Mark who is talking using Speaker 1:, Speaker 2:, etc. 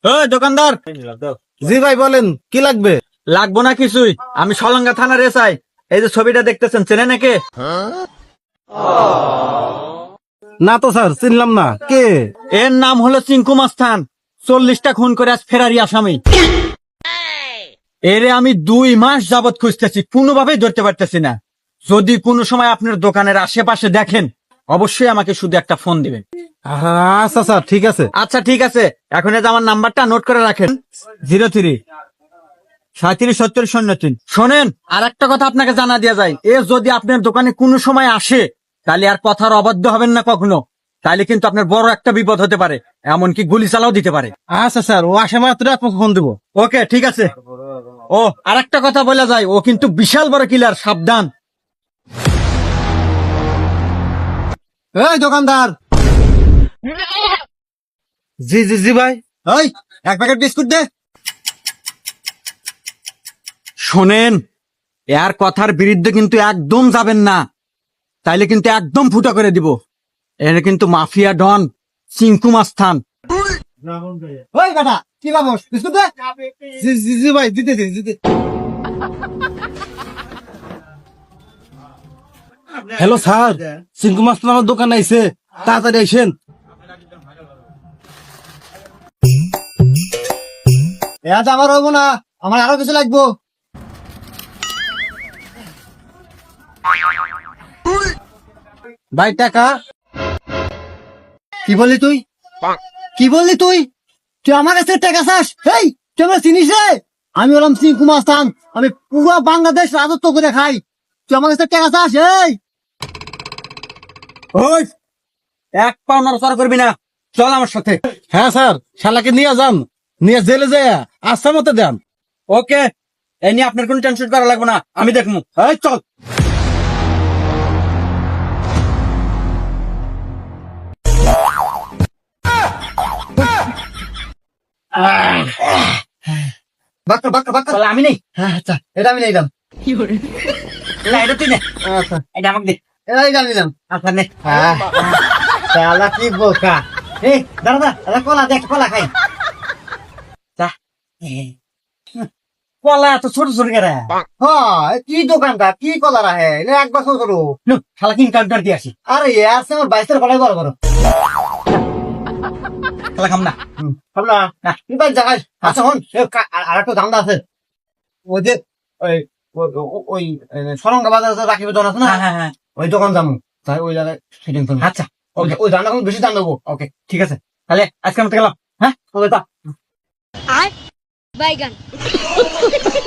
Speaker 1: দোকানদার।
Speaker 2: জি ভাই বলেন, কি লাগবে?
Speaker 1: লাগবো না কিছুই, আমি সলঙ্গা থানার এসআই। এই যে ছবিটা দেখতেছেন, চেনে নাকি?
Speaker 2: না তো স্যার, চিনলাম না। কে?
Speaker 1: এর নাম হলো চিঙ্কু মাস্তান। 40টা খুন করে আজ ফেরারি আসামি। এরে আমি 2 মাস যাবত খুঁজতেছি, কোনোভাবেই ধরতে পারতেছি না। যদি কোনো সময় আপনার দোকানের আশেপাশে দেখেন, অবশ্যই আমাকে শুধু একটা ফোন দিবেন।
Speaker 2: আচ্ছা স্যার, ঠিক আছে।
Speaker 1: আচ্ছা ঠিক আছে, এখন এই যে আমার নাম্বারটা নোট করে রাখেন, 03-3770-03। শোনেন, আর একটা কথা আপনাকে জানা দেওয়া যায়, এ যদি আপনার দোকানে কোনো সময় আসে, তাহলে আর কথার অবাধ্য হবেন না কখনো। তাহলে কিন্তু আপনার বড় একটা বিপদ হতে পারে, এমনকি গুলি চালাও দিতে পারে।
Speaker 2: আচ্ছা স্যার, ও আসে মাত্র আপনাকে ফোন দেবো।
Speaker 1: ওকে ঠিক আছে। ও আর একটা কথা বলা যায়, ও কিন্তু বিশাল বড় কিলার, সাবধান।
Speaker 2: এই দোকানদার। জি জি জি ভাই।
Speaker 1: ওই 1 প্যাকেট বিস্কুট দে। শোনেন, এর কথার বিরুদ্ধে কিন্তু একদম যাবেন না, তাইলে কিন্তু একদম ফুটা করে দিব। এর কিন্তু মাফিয়া ডন চিঙ্কু মাস্তান।
Speaker 2: ওই বেটা, কি ভাবস? বিস্কুট দে। জি জি জি ভাই, দিতে দিতে। হ্যালো স্যার, সিঙ্কু মাস্টার আমার দোকানে আইছে, তাড়াতাড়ি আইসেন।
Speaker 1: আজ আমার হবো না, আমার আরো কিছু লাগবো।
Speaker 2: ভাই টাকা।
Speaker 1: কি বললি তুই? কি বললি তুই? তুই আমার কাছে টাকা চাস? এই তুই আমার চিনিস রে? আমি হলাম চিঙ্কু মাস্তান, আমি পুরো বাংলাদেশ রাজত্ব করে খাই। তুই আমার কাছে টাকা চাস? এই ওই, 1 পাও নড়াচড়া করবি না, চল আমার সাথে।
Speaker 2: হ্যাঁ স্যার, শালাকে নিয়ে যান, নিয়ে জেলে যায় আস্থা মতো দেন।
Speaker 1: ওকে, এই নিয়ে আপনার কোনো টেনশন করা লাগবে না, আমি দেখবো। এই চল। বাক্কা বাক্কা বাক্কা, আমি নেই। হ্যাঁ আচ্ছা, এটা আমি নিলাম। না এটা তুই নে।
Speaker 2: আচ্ছা,
Speaker 1: এটা আমাকে দে। এইটা নিলাম। আচ্ছা নে। শালা কি বোকা। এই দাদা দাদা, কলা দেখ, কলা খাই। যা। কলা এত ছোট ছোট কেরা?
Speaker 2: হ্যাঁ, কি দোকানটা, কি কলা রাহে, এক বছর করো।
Speaker 1: শালা কিং কাউন্টার দিয়ে আসি।
Speaker 2: আরে আছে আমার 22 কলাই বড় বড়।
Speaker 1: শালা খাম না।
Speaker 2: ভাবলা
Speaker 1: না।
Speaker 2: তুই ভাই জায়গায়। আচ্ছা হন, আর একটা ধান্দা আছে। ওই যে ওই ওই সরঙ্গা বাজার রাখিব দোকান আছে না,
Speaker 1: হ্যাঁ হ্যাঁ হ্যাঁ।
Speaker 2: ওই দোকান যাবো, তাই ওই জায়গায় সেটিং করবো।
Speaker 1: আচ্ছা
Speaker 2: ওকে, ওই ধান্দা বেশি দাম দেবো।
Speaker 1: ওকে ঠিক আছে, তাহলে আজকে আমরা গেলাম। হ্যাঁ
Speaker 2: ওকে তা
Speaker 3: আর বাইগান